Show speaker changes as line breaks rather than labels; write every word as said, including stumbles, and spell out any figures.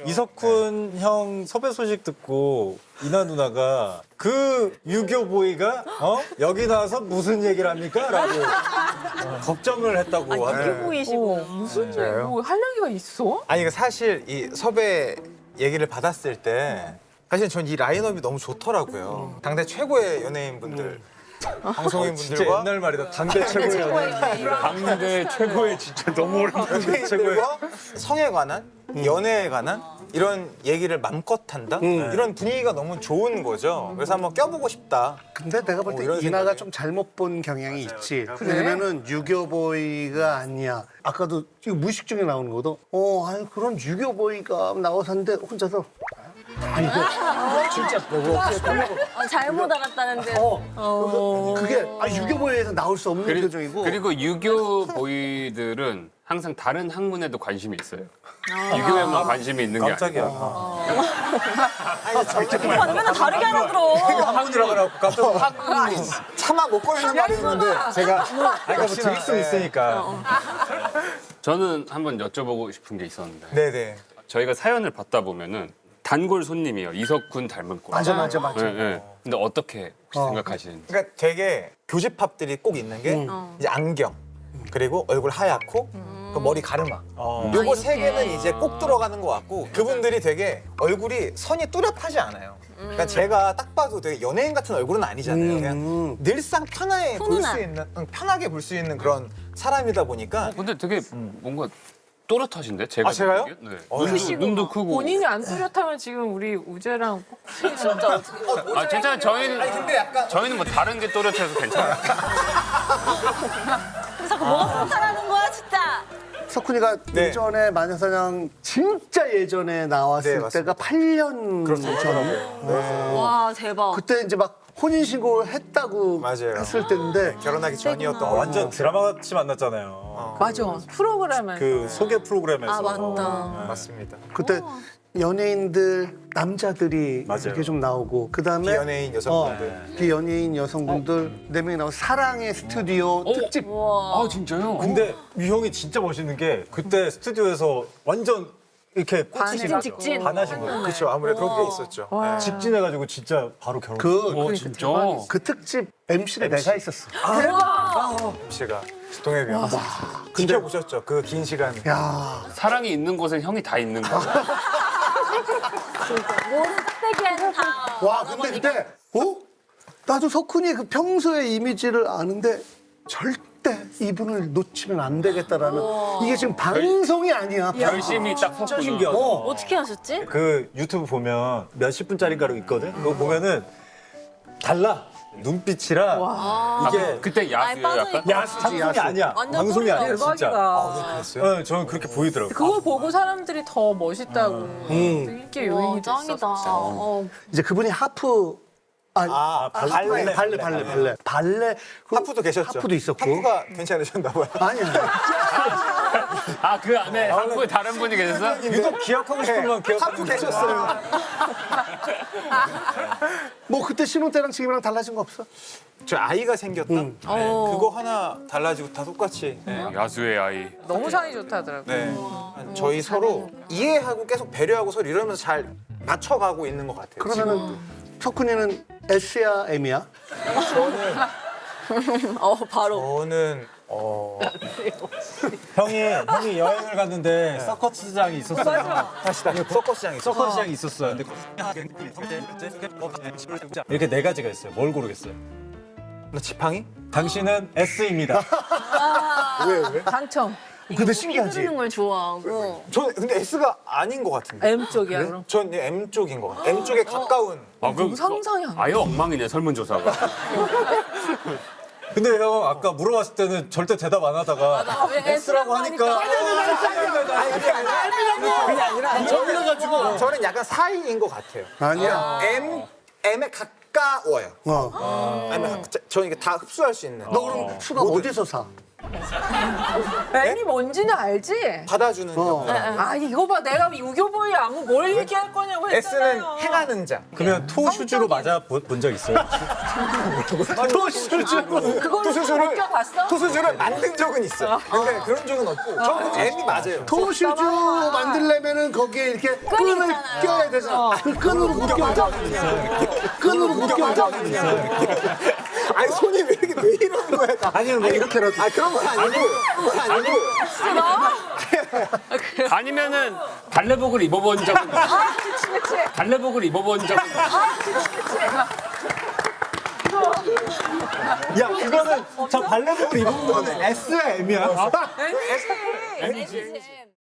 이석훈 형 섭외 소식 듣고 이나 누나가 그 유교 보이가 어? 여기 나와서 무슨 얘기를 합니까? 라고 어, 걱정을 했다고
아,
하더라고요.
유교 보이시고.
어, 무슨 일, 뭐 할 얘기가 있어?
아니 그 사실 이 섭외 얘기를 받았을 때 사실 전 이 라인업이 너무 좋더라고요. 당대 최고의 연예인분들,
진짜
방송인분들과
옛날 말이다. 당대 최고의 연예인.
당대 최고의 진짜 너무 오랜만에
연예인들과 성에 관한, 연애에 관한 이런 얘기를 맘껏 한다? 이런 분위기가 너무 좋은 거죠. 그래서 한번 껴보고 싶다.
근데 내가 볼
어,
때
이런
이나가
생각이.
좀 잘못 본 경향이 있지. 왜냐면은 유교보이가 아니야. 아까도 지금 무의식 중에 나오는 것도 어, 아니 그런 유교보이가 나와서 하는데 혼자서 아 이거 진짜 너무
어, 잘못 알았다는데.
어, 그게 아 유교보이에서 나올 수 없는
그리,
표정이고.
그리고 유교 보이들은 항상 다른 학문에도 관심이 있어요. 유교에만 관심이 있는 게
깜짝이야.
아니고.
어.
오빠 맨날 다르게 알아들어.
학문이라고 해갖고 깜짝 놀랐어.
차마 못 걸리는 말이 있는데 제가
아니, 뭐 드릴 수 있으니까.
저는 한번 여쭤보고 싶은 게 있었는데
네네.
저희가 사연을 받다 보면은 단골 손님이에요. 이석훈 닮을 거.
맞아 맞아 맞아.
네, 네. 근데 어떻게 혹시
어.
생각하시는지.
그러니까 되게 교집합들이 꼭 있는 게 이제 안경, 그리고 얼굴 하얗고 그 머리 가르마.
어.
요거 세 개는 이제 꼭 들어가는 것 같고 그분들이 되게 얼굴이 선이 뚜렷하지 않아요. 그러니까 제가 딱 봐도 되게 연예인 같은 얼굴은 아니잖아요. 그냥 늘상 편하게 볼
훈훈한.
수 있는, 응, 편하게 볼 수 있는 그런 사람이다 보니까
어, 근데 되게 뭔가 또렷하신데 제가
아, 제가요?
느끼기엔? 네.
어,
눈도,
크시구나.
눈도 크고.
본인이 안 뚜렷하면 지금 우리 우재랑
진짜 어떻게.
아 진짜 저희는
근데 약간
저희는 뭐 다른 게 또렷해서 괜찮아요.
자꾸 뭐가 불편하는 거야, 진짜.
석훈이가
네.
예전에 마녀사냥 진짜 예전에 나왔을
네, 맞습니다.
때가 팔 년 전에.
와, 대박.
그때 이제 막 혼인신고를 했다고
맞아요.
했을 때인데
결혼하기 전이었던
어,
거
완전 드라마 같이 만났잖아요.
맞아 프로그램에서
그 소개 프로그램에서.
아, 맞다.
맞습니다.
그때 연예인들 남자들이
맞아요.
이렇게 좀 나오고 그다음에
비연예인 여성분들.
어, 비연예인 여성분들 네 명이 나오고 사랑의 스튜디오 특집
와.
아 진짜요?
근데 이 형이 진짜 멋있는 게 그때 스튜디오에서 완전 이렇게 꽂히신
반해.
거죠.
직진.
반하신 거예요.
그렇죠. 아무래도 그런 게 있었죠.
와.
직진해가지고 진짜 바로 결혼.
그,
어 진짜?
그 특집 엠씨를 내가 있었어.
씨가 동해비 형. 지켜보셨죠? 그 긴 시간.
야
사랑이 있는 곳엔 형이 다 있는 거야.
모든 짝대기에는 다.
와 근데 그때 어? 나도 석훈이 그 평소의 이미지를 아는데 절대 이분을 놓치면 안 되겠다라는 이게 지금 방송이 아니야.
열심히 딱
진짜
섰구나.
신기하다.
어.
어떻게 하셨지?
그 유튜브 보면 몇십 분짜리가로 있거든. 그거 보면은 달라. 눈빛이랑 이게
아, 그때 야수요
방송이-
약간?
야 방송이 아니야.
완전
방송이
소리가
아니야 진짜.
대박이다.
됐어요?
네, 저는 그렇게 보이더라고요.
그걸 보고 사람들이 더 멋있다고 인기
와,
요인이
짱이다.
됐었어.
어.
이제 그분이 하프 아,
아, 발레.
발레 발레 발레 발레 발레 그
하프도 계셨죠?
하프도 있었고
하프가 괜찮으셨나 봐요.
아니야
아 그 안에 한국에 다른 분이 계셨어?
유독 기억하고 싶은 건 기억하는
하프 계셨어요.
뭐 그때 신혼 때랑 지금이랑 달라진 거 없어?
저 아이가 생겼다? 네.
어.
그거 하나 달라지고 다 똑같이. 네.
야수의 아이.
너무 사이 좋다더라고.
네. 저희 서로 이해하고 계속 배려하고 서로 이러면서 잘 맞춰가고 있는 것 같아요.
그러면은 석훈이는 S야 M이야?
어, 바로.
저는 어
형이 형이 여행을 갔는데 서커스장이 있었어요.
다시 다시 서커스장이 있어.
서커스장이 있었어요. 근데 이렇게 네 가지가 있어요. 뭘 고르겠어요?
나 지팡이?
당신은 S입니다.
왜 왜?
당첨.
근데 신기하지?
휘두르는 걸 좋아하고.
저 근데 S가 아닌 것 같은데.
M 쪽이야 그럼.
전 M 쪽인 것 같아요. M 쪽에 가까운.
아, 그
상상이 안 돼.
아예 엉망이네 설문조사가.
근데 형 아까 물어봤을 때는 절대 대답 안 하다가 S라고 하니까
그게 아니라 저는 가지고 저는 약간 사이인 것 같아요.
아니야.
M M에 가까워요.
어.
아니면 저는 이게 다 흡수할 수 있는.
너 그럼 수가 어디서 사?
M이 뭔지는 알지?
받아주는
어.
자.
아 이거 봐 내가 유교보이 아무 뭘 얘기할 거냐고
S는
했잖아요.
행하는 자.
그러면 토슈즈로 맞아 본 적 있어요?
토슈즈.
그걸로
토수주를
벗겨봤어?
토수주를 만든 적은 있어. 근데 그런 적은 없고 저는 M이 맞아요.
토슈즈 만들려면은 거기에 이렇게 끈을
있잖아요.
껴야 되잖아. 그 끈으로 묶여. 끈으로 묶여.
아니 손이 왜 이렇게 왜 이러는 거야?
아니면 뭐 이렇게라도
아 그런 건 아니고 그건 아니고
아니면은 달래복을 입어본 적은 있어요. 달래복을 입어본 적은 있어요.
야 그거는 저 발레복을 입은 거는 S야 M이야?
M이지.